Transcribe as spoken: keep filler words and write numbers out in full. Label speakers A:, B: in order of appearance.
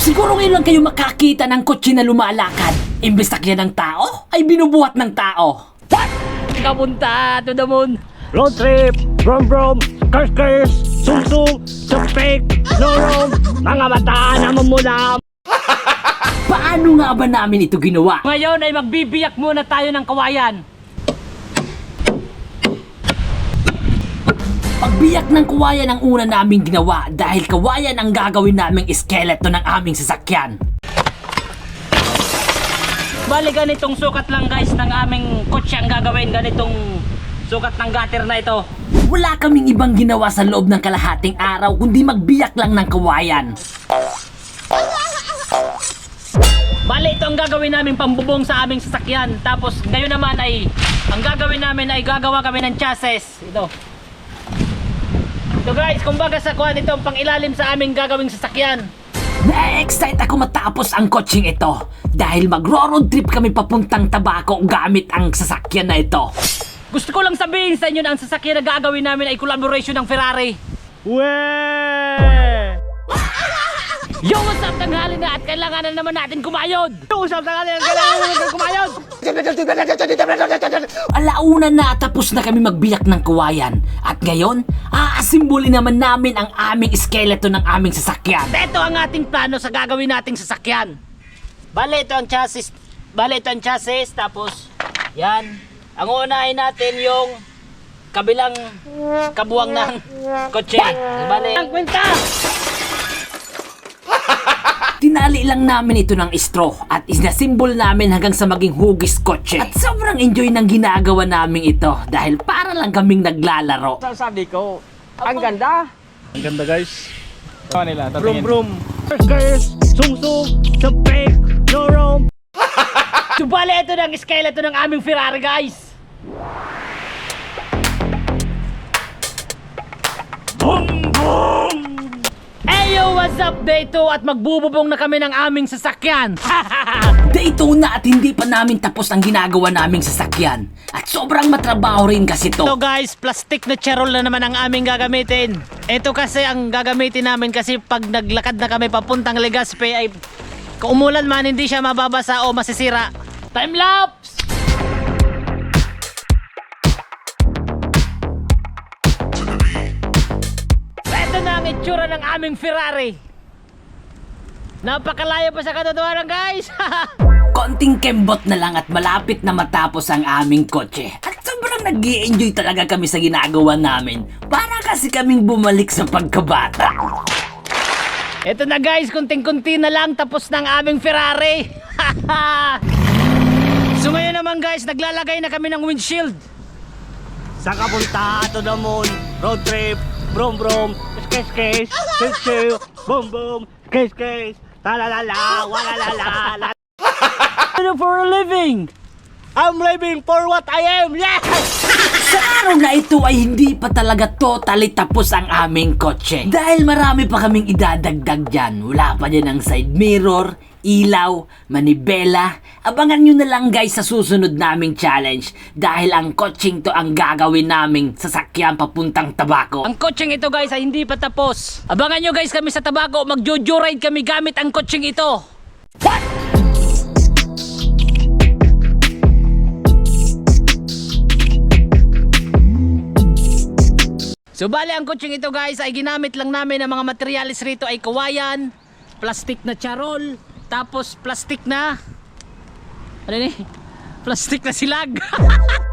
A: Siguro ngayon lang kayo makakita ng kotse na lumalakad. Imbes sakyan ng tao, ay binubuhat ng tao. What? Kapunta to the moon.
B: Road trip, brom brom, kers kers, sum sum, supik, lorong, mga mata naman muna.
A: Paano nga ba namin ito ginawa?
C: Ngayon ay magbibiyak muna tayo ng kawayan.
A: Pagbiyak ng kawayan ang una naming ginawa dahil kawayan ang gagawin naming iskeleto ng aming sasakyan.
C: Bali ganitong sukat lang guys ng aming kotse ang gagawin. Ganitong sukat ng gutter na ito.
A: Wala kaming ibang ginawa sa loob ng kalahating araw kundi magbiyak lang ng kawayan.
C: Bali ito ang gagawin namin pambubong sa aming sasakyan. Tapos ngayon naman ay ang gagawin namin ay gagawa kami ng chassis. Ito. Ito guys, kumbaga sa kuhan ito ang pangilalim sa aming gagawing sasakyan.
A: Na-excite ako matapos ang coaching ito dahil magro-road trip kami papuntang Tabaco gamit ang sasakyan na ito.
C: Gusto ko lang sabihin sa inyo na ang sasakyan na gagawin namin ay collaboration ng Ferrari.
B: Weh!
C: Yo, what's up tanghali na at kailangan na naman natin kumayod.
B: Usap na kanya, kailangan naman kumayod.
A: Alauna na tapos na kami magbiyak ng kawayan. At ngayon, aasimbuli naman namin ang aming iskeleto ng aming sasakyan.
C: Ito ang ating plano sa gagawin nating sasakyan. Bale, ito ang chassis. Bale, ito ang chassis. Tapos, yan. Ang uunahin natin yung kabilang kabuwang ng kotse. Bale, ang kwenta!
A: Tinali lang namin ito ng straw at isnasimbol namin hanggang sa maging hugis kotse. At sobrang enjoy ng ginagawa namin ito dahil para lang kaming naglalaro.
B: Sabi ko, ang ganda.
D: Ang ganda guys. Ano nila?
B: Brum
D: Tatingin.
B: brum, kers kers, sum sum, supik, lorong.
C: So, bale, ito na ang skeleton ng aming Ferrari, guys.
B: Boom boom.
C: Eyo, what's up? Day two at magbububong na kami ng aming sasakyan.
A: Day two na at hindi pa namin tapos ang ginagawa naming sasakyan. At sobrang matrabaho rin kasi to.
C: Ito guys, plastic na charol na naman ang aming gagamitin. Ito kasi ang gagamitin namin kasi pag naglakad na kami papuntang Legazpi ay kung umulan man hindi siya mababasa o masisira. Time lapse! Ito na ang itsura ng aming Ferrari. Napakalayo pa sa katotohanan guys.
A: Konting kembot na lang at malapit na matapos ang aming kotse. At sobrang nag-i-enjoy talaga kami sa ginagawa namin. Para kasi kaming bumalik sa pagkabata.
C: Ito na guys, kunting-kunti na lang tapos ng aming Ferrari. So ngayon naman guys, naglalagay na kami ng windshield.
B: Sa kapunta to the moon, road trip, brom brom, kes kes, kes kes, boom boom, kes kes, talalala, walalala.
C: Ano for a living?
B: I'm living for what I am, yes!
A: Sa araw na ito ay hindi pa talaga totally tapos ang aming kotse. Dahil marami pa kaming idadagdag dyan. Wala pa dyan ang side mirror, ilaw, manibela. Abangan nyo na lang guys sa susunod naming challenge. Dahil ang kotseng to ang gagawin naming sasakyan papuntang Tabaco.
C: Ang kotseng ito guys ay hindi pa tapos. Abangan nyo guys kami sa Tabaco, mag-jojo ride kami gamit ang kotseng ito.
A: What?
C: So bali ang kotseng ito guys ay ginamit lang namin ang mga materialis rito ay kawayan, plastic na charol, tapos plastic na ano ni? Plastic na silag.